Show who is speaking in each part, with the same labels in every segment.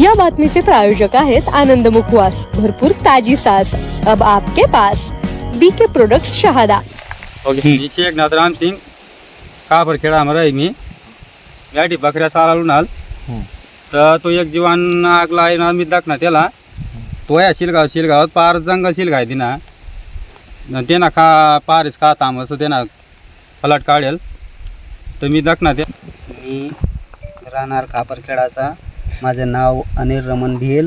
Speaker 1: या बातमीचे प्रायोजक आहेत आनंद मुखवास, भरपूर ताजी सास अब आपके पास। BK products Shahada.
Speaker 2: शेख नाथराम सिंग कापरखेडा मराई मी याठी बकऱ्या चालवून आल तर तो एक जीवान आगला आहे ना मी दाखना त्याला तो या शिलगावात पार जंगल शिलगाय दिना ते ना खा पारच का तामस ते ना पलट काढेल तर मी दाखना ते
Speaker 3: मी राहणार कापरखेडाचा, माझं नाव अनिल रमण भिल।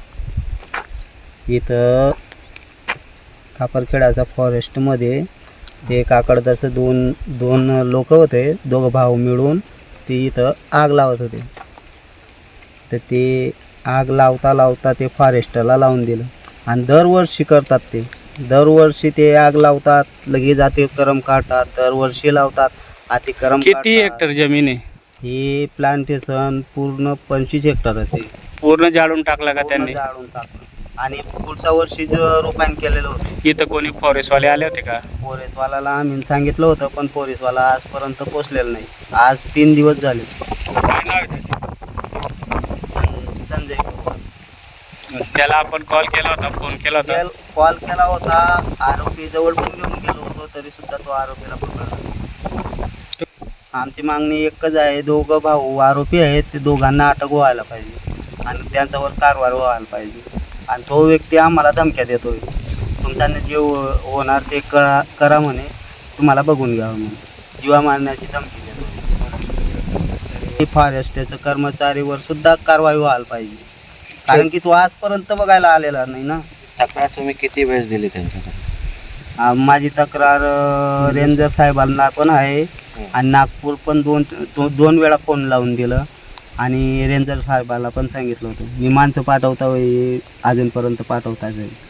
Speaker 3: इथं कापरखेडाचा फॉरेस्टमध्ये ते काकडदाचं दोन लोक होते, दोघं भाऊ मिळून ते इथं आग लावत होते। तर ते आग लावता ते फॉरेस्टला लावून दिलं आणि दरवर्षी करतात ते, दरवर्षी ते आग लावतात, लगेच अतिक्रम काढतात, दरवर्षी लावतात अतिक्रम।
Speaker 4: किती हेक्टर जमीन आहे
Speaker 3: ही प्लांटेशन पूर्ण 25 हेक्टर असे
Speaker 4: पूर्ण जाळून टाकला का त्यांनी?
Speaker 3: जाळून टाकलं आणि पुढच्या वर्षी रोपायन केलेलं होतं।
Speaker 4: इथं कोणी फॉरेस्टवाले आले होते का?
Speaker 3: पोलीसवाल्याला आम्ही सांगितलं होतं पण पोलीसवाला आजपर्यंत पोचलेलं नाही। आज 3 दिवस झाले।
Speaker 4: काय नाव आहे त्याचे?
Speaker 3: संजय पवार।
Speaker 4: त्याला आपण कॉल केला होता, फोन केला होता?
Speaker 3: कॉल केला होता, आरोपी जवळ पण घेऊन गेलो होतो, तरी सुद्धा तो आरोपीला पकडला। आमची मागणी एकच आहे, दोघं भाऊ आरोपी आहेत, ते दोघांना अटक व्हायला पाहिजे आणि त्यांच्यावर कारवाई व्हायला पाहिजे। आणि तो व्यक्ती आम्हाला धमक्या देतोय, तुमच्याने जे होणार ते करा म्हणे, तुम्हाला बघून घ्यावं म्हणे, जीवा मारण्याची धमकी देतोय। फॉरेस्टच्या कर्मचारीवर सुद्धा कारवाई व्हायला पाहिजे, कारण की तो आजपर्यंत बघायला आलेला नाही ना।
Speaker 5: तक्रार तुम्ही किती वेळेस दिली त्यांच्याकडे?
Speaker 3: माझी तक्रार रेंजर साहेबांना पण आहे आणि नागपूर पण दोन वेळा फोन लावून दिलं आणि रेंजर साहेबाला पण सांगितलं होतं। मी माणसं पाठवता अजूनपर्यंत पाठवता जाईल।